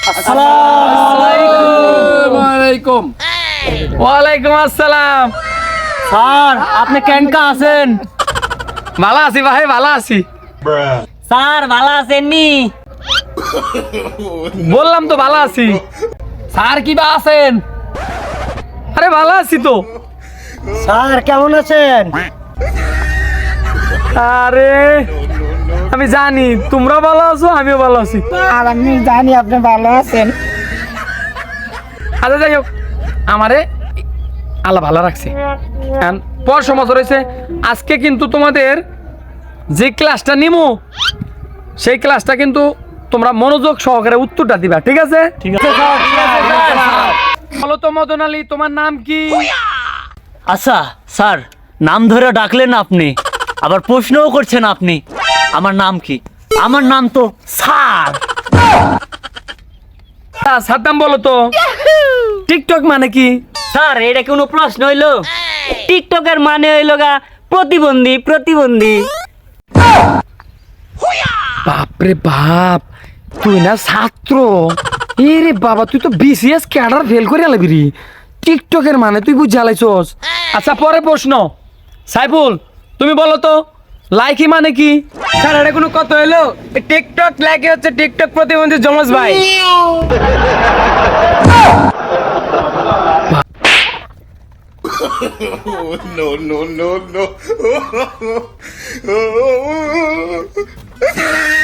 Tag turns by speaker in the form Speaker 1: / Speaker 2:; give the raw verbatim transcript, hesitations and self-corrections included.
Speaker 1: আসসালামু আলাইকুম।
Speaker 2: ওয়ালাইকুম আসসালাম।
Speaker 3: স্যার আপনি কেনকা আছেন?
Speaker 2: ভালো আছি ভাই, ভালো আছি।
Speaker 3: স্যার ভালো আছেন নি?
Speaker 2: বললাম তো ভালো আছি। স্যার কি বা আছেন? আরে ভালো আছি তো।
Speaker 3: স্যার কেমন আছেন?
Speaker 2: আরে আমি জানি তোমরা ভালো আছো, আমিও ভালো আছি।
Speaker 3: আর আমি জানি আপনি ভালো আছেন।
Speaker 2: আচ্ছা যাই হোক, আমারে আল্লাহ ভালো রাখছে। এখন পড়াশোনা বছর হয়েছে। আজকে কিন্তু তোমাদের যে ক্লাসটা নিমো সেই ক্লাসটা কিন্তু তোমরা মনোযোগ সহকারে উত্তরটা দিবা, ঠিক আছে?
Speaker 3: ঠিক আছে স্যার, ঠিক আছে স্যার।
Speaker 2: বলো তো মদন আলী, তোমার নাম কি?
Speaker 3: আচ্ছা স্যার, নাম ধরে ডাকলেন আপনি, আবার প্রশ্নও করছেন আপনি। আমার নাম কি? আমার নাম তো স্যার।
Speaker 2: সাদ্দাম বলো তো টিকটক মানে কি?
Speaker 3: স্যার এটা কোনো প্রশ্ন হইলো? টিকটকের মানে হইলো গা প্রতিবন্ধী, প্রতিবন্ধী।
Speaker 2: বাপরে বাপ, তুই না ছাত্র? এরে বাবা, তুই তো বিসিএস ক্যাডার ফেল করে আলাবি রে। টিকটকের মানে তুই বুঝে আলাইছস। আচ্ছা পরে প্রশ্ন, সাইফুল তুমি বলো তো লাইকি মানে কি?
Speaker 1: স্যার এটা কোনো কথা হইলো? টিকটক লাইকি হচ্ছে টিকটক প্রতিবন্ধী জমজ ভাই।
Speaker 4: no, no, no, no.